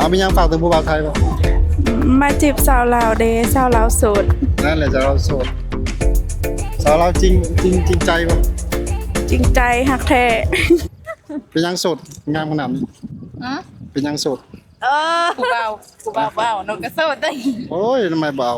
เอามียังฝากถึงผู้บ่าวไทยป่ะมาจีบสาวลาวเด้สาวลาวโสดนั่นแหละจะเราโสดสาวเราจริงใจป่ะจริงใจหักแท้เป็นยังโสดงามขนาดนี้เป็นยังโสดกูเบานกกระโสดได้โอ้ยทำไมเบา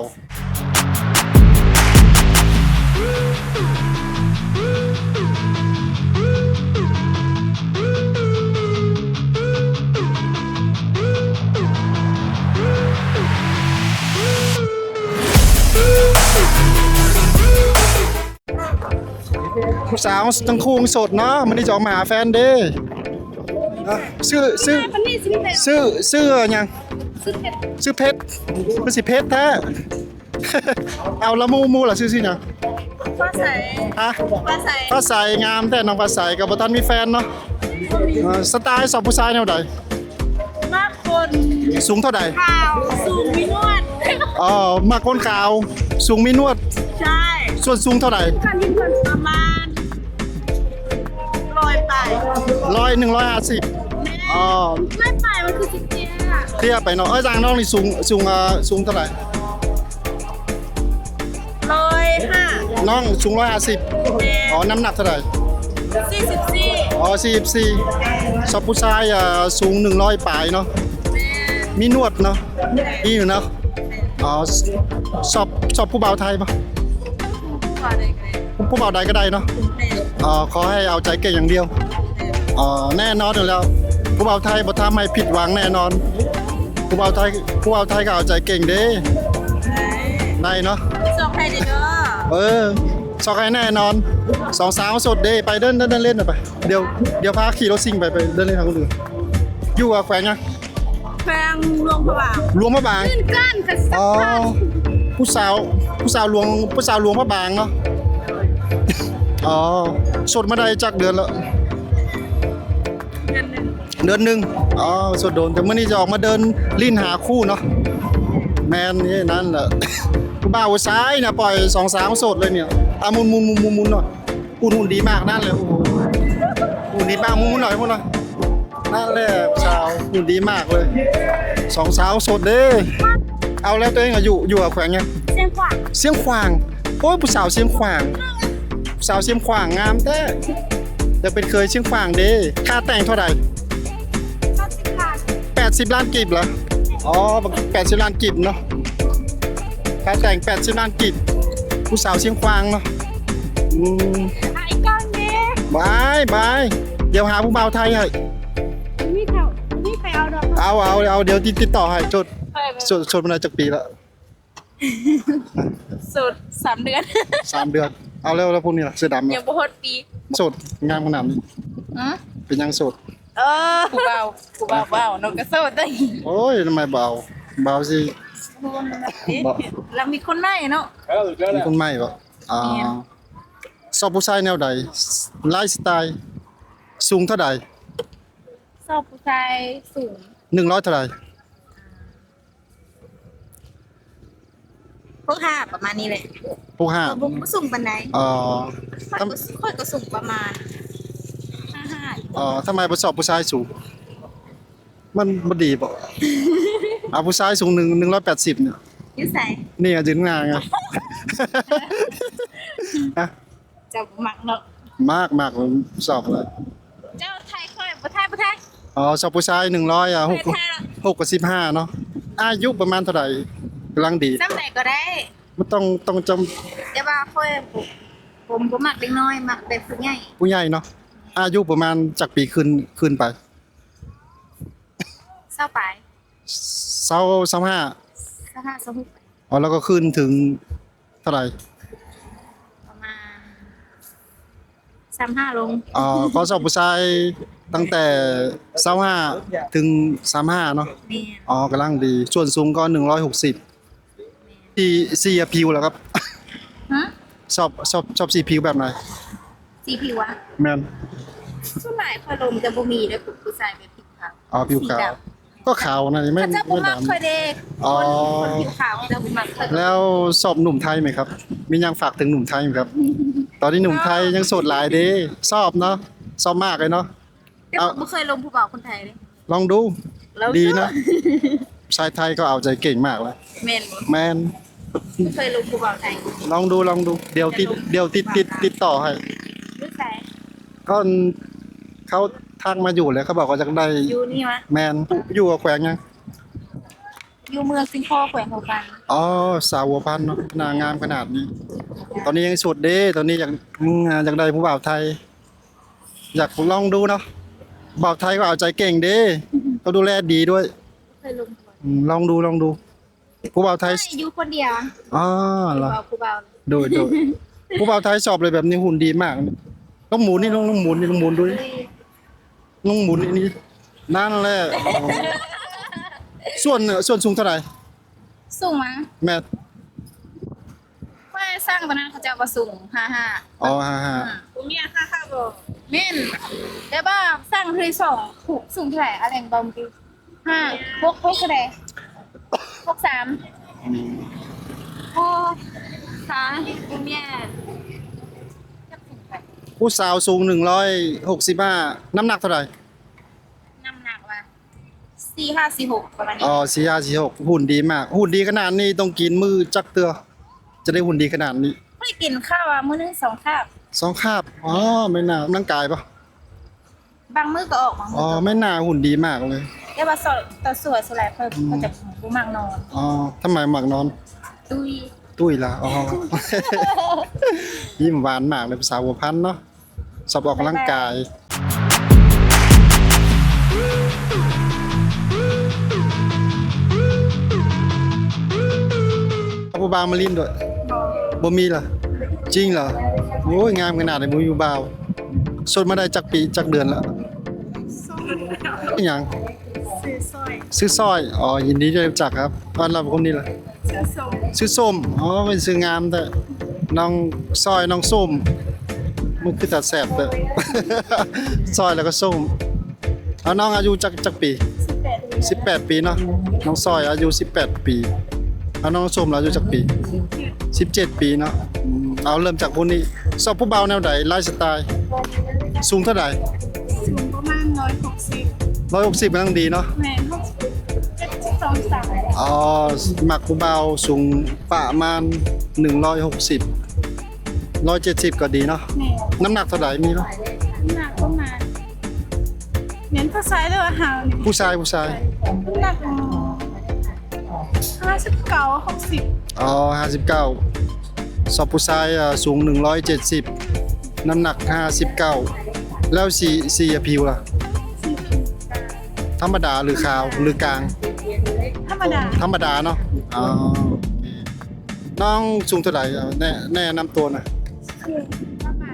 ผู้สาวทั้งคู่โสดเนาะมันนี่จะออกมาหาแฟนเด้ซื้อยังซื้อเพชรมันสิเพชรแท้เอาละมูล่ะซื้อสินะฟ้าใสฮะฟ้าใสงามแต่น้องฟ้าใสกับบ่ทันมีแฟนเนาะสไตล์สอบผู้ชายแนวใดมากคนสูงเท่าใดขาวสูงมีนวดมากคนขาวสูงมีนวดใช่ส่วนสูงเท่าใดประมาณ100ไป 150 ไม่ไปมันคือจิ๊กเทียบไปเนาะจางน้องนี่สูงเท่าไหร่ 105 น้องสูง150น้ำหนักเท่าไหร่44ชอบผู้ชายสูง100ปลายเนาะมีนวดเนาะมีอยู่เนาะชอบผู้บ่าวไทยปะผู้บ่าวใดก็ได้เนาะขอให้เอาใจเก่งอย่างเดียวแน่นอนอยู่แล้วผู้บ่าวไทยบ่ทำให้ผิดหวังแน่นอนผู้บ่าวไทยก็เอาใจเก่งเด้ได้เนาะสองใครเด้อสองใครแน่นอนสองสาวสดเด้ไปเดินเล่นไปเดี๋ยวพาขี่รถซิ่งไปเดินเล่นทางคนอื่นอยู่กับแขวงยังแขวงหลวงพระบางขึ้นก้านกระสับผู้สาวหลวงพระบางเนาะสดมาได้จักเดือนแล้วเดือนหนึ่งสดโดนแต่เมื่อนี้จะออกมาเดินลิ้นหาคู่เนาะแมนนี่นั่นแหละผู้บ่าวซ้ายเนี่ยปล่อย2 สาวสดเลยเนี่ยมุนหน่อยหุ่นดีมากนั่นเลยโอ้โหหุ่นดีมากมุนหน่อยนั่นแหละสาวหุ่นดีมากเลย2 สาวสดเด้เอาแล้วตัวเองอยู่กับแขวงไงเสียงขวางโอ้ยผู้สาวเสียงขวางงามแท้จะเป็นเคยเชียงขวางเด้ค่าแต่งเท่าไหร่80 ล้านกีบเหรอ80 ล้านกีบเนาะค่าแต่ง80 ล้านกีบผู้สาวเชียงขวางเนาะไอ้ก้อนนี้บายเดี๋ยวหาผู้บ่าวไทยให้นี่ใครเอาดอกเอาเดี๋ยวติดต่อให้จดมาจากปีละสุด3 เดือน 3 เดือนเอาแล้วพวกนี้ล่ะเสื้อดำยังบ่ฮอดปีโสดงามขนาดนี้เป็นยังโสดกูเบานกกระโสดได้โอ้ยทำไมเบาสิแล้วมีคนใหม่เนาะมีคนใหม่ป่ะชอบผู้ชายแนวใดไลฟ์สไตล์สูงเท่าใดชอบผู้ชายสูง 100เท่าใดพวก5ประมาณนี้เลยพวก 5ผมก็สูงปานใดค่อยก็สูงประมาณ55 ทำไมบ่ชอบผู้ชายสูงมันบ่ดีบ่ผู้ชายสูง180เนี่ยอยู่ไสนี่ยืนงานไงจะมักเนาะมากชอบเลยเจ้าไทยค่อยบ่ไทยชอบผู้ชาย100 6กับ15เนาะอายุประมาณเท่าไหร่กำลังดีซ้ำไหนก็ได้มันต้องจำแต่ว่าค่อยผมบ่มักเด็กน้อยมักแบบผู้ใหญ่เนาะอายุประมาณจากปีขึ้นไป 20ไป 25แล้วก็ขึ้นถึงเท่าไหร่ประมาณ35ลงก็ชอบผู้ชายตั้งแต่25ถึง35เนาะกำลังดีส่วนสูงก็160ที่สีผิวแล้วครับชอบสีผิวแบบไหนสีผิวอะแม่นส่วนใหญ่ค่อยลมจะบ่มีเด้อผู้ชายแบบผิวขาวผิวขาวก็ขาวนะไม่ดำค่อยเด็กคนผิวขาวจะบ่มักแล้วชอบหนุ่มไทยไหมครับมียังฝากถึงหนุ่มไทยไหมครับตอนนี้หนุ่มไทยยังโสดหลายเด้ชอบเนาะชอบมากเลยเนาะแต่ผมไม่เคยลงผู้บ่าวคนไทยเลยลองดูแล้วดีนะชายไทยก็เอาใจเก่งมากเลยแม่นบ่แมนเคยลงภูเขาไทยลองดูเดี๋ยวติดต่อให้รู้ใส่ก็เขาทักมาอยู่เลยเขาบอกว่าจะได้อยู่นี่วะแมนอยู่กับแขวงยังอยู่เมืองสิงคโปร์แขวงหัวกันอ๋อสาวหัวพันธุ์เนาะนางงามขนาดนี้ ตอนนี้ยังโสดเด้ตอนนี้อยากได้ผู้บ่าวไทย อยากลองดูเนาะบ่าวไทยก็เอาใจเก่งเด้เขาดูแลดีด้วยเคยลงภูเขาลองดูผู้บ่าวไทยอยู่คนเดียวอ๋อเหรอภูเขาดูผู้บ่าวไทยสอบเลยแบบนี้หุ่นดีมากต้องหมุนนี่ต้องหมุนดูดิต้องหมุนนี่นั่นแหละส่วนสูงเท่าไหร่สูงมั้งแม่ว่าสร้างตอนนั้นเขาจะมาสูง55 อ๋อ55 ผมเนี่ยค่าบ่แม่นแต่ว่าสร้างคือ2ถูกสูงเท่าไหร่อะไรบอมบิ5 6เท่าไหร่63โอ้ผมเนี่ยผู้สาวสูง165น้ำหนักเท่าไหร่น้ำหนักว่า4546ประมาณนี้อ๋อ4546หุ่นดีมาก หุ่นดีขนาดนี้ต้องกินมือจักเตือจะได้หุ่นดีขนาดนี้ไม่ได้กินข้าวอ่ะมื้อนึง2คาบ 2 คาบอ๋อไม่น่ากำลังกายปะบางมื้อก็ออกบางมื้อ๋ออก็ไม่น่าหุ่นดีมากเลยแต่ว่าต่อสวยสลายเพิ่มก็จะบ่มักนอนอ๋อทำไมหมักนอน ตุ้ยล่ะอ๋อ ยิ้มหวานมากเลยภาษาหัวพันธุ์เนาะสอบออกกำลังกายผู้บ่าวมาลินด้วยบ่มีล่ะจริงเหรอโอ้ยงามขนาดไหนบ่อยู่บ่าวสดมาได้จักปีจักเดือนแล้วอหยังซื้อสร้อยอ๋อยินดีที่ได้รู้จักครับบ้านเราเป็นคนนี้ล่ะซื้อส้มอ๋อเป็นซื้องามแต่น้องสร้อยน้องส้มมันคือตัดแสบแต่ สร้อยแล้วก็ส้มเอาน้องอายุจักปี18 ปีเนาะน้องสร้อยอายุ18 ปีเอาน้องส้มอายุจักปี17 ปีเนาะเอาเริ่มจากพวกนี้สอบผู้เบาแนวใดไลฟ์สไตล์สูงเท่าไหร่สูงประมาณ160 160กำลังดีเนาะแม่น62 3 อ๋อหมักผู้เบาสูงประมาณ160 170ก็ดีเนาะแม่น้ำหนักเท่าไหร่มีเนาะหนักประมาณเน้นผู้ชายด้วยว่าหาวนี่ผู้ชายหนัก59 60 อ๋อ59สอบผู้ชายสูง170น้ำหนัก59แล้วสีผิวล่ะธรรมดาหรือขาวหรือกลางธรรมดาธรรมดาเนาะอ๋อโอเคน้องสูงเท่าไหร่แนะนำตัวหน่อยคือประมาณ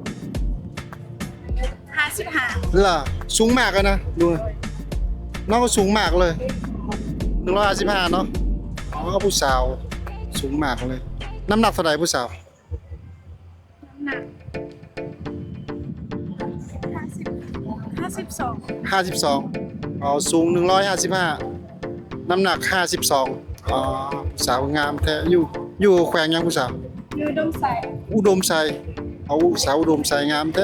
55 ล่ะสูงมากเลยนะดูน้องก็สูงมากเลย155เนาะอ๋อผู้สาวสูงมากเลยน้ำหนักเท่าไหร่ผู้สาวน้ำหนัก52 52อ๋อสูง155น้ำหนัก52อ๋อผู้สาวงามแท้อยู่แขวงยังผู้สาวอยู่ดมใสอุดมไซเอาสาวอุดมไซงามแท้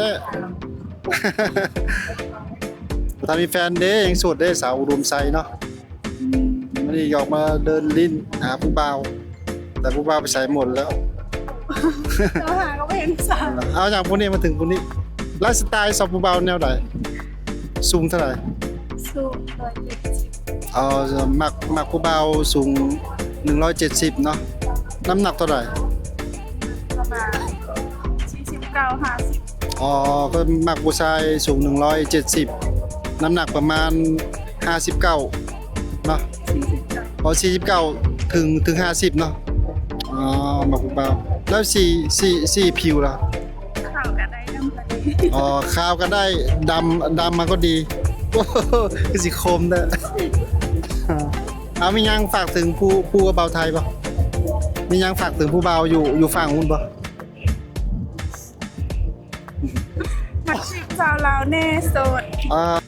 ตอนมีแฟนเด้ยังโสดเด้สาวอุดมไซเนาะวันนี้ออกมาเดินลิ้นหาผู้บ่าวแต่ผู้บ่าวไปใส่หมดแล้วเราหาก็ไม่เห็นสาวเอาจากพวกนี้มาถึงพวกนี้ไลฟ์สไตล์สาวผู้บ่าวแนวไหนสูงเท่าไหร่สูง170 เอามักผู้บ่าวสูง170เนาะน้ำหนักเท่าไหร่ประมาณ49 50 อ๋อก็มักผู้ชายสูง170น้ำหนักประมาณ59เนาะ 49 พอ49ถึง50เนาะอ๋อมักผู้บ่าวแล้วสีผิวล่ะข่าวกันได้ดำกว่านี้อ๋อขาวก็ได้ดำมาก็ดี โอ้โหคือสิคมเด้อ เอามียังฝากถึงผู้เบาไทยป่ะมียังฝากถึงผู้เบาอยู่ฝั่งนู้นป่ะมักสิบสาวลาวแน่โสดอ่า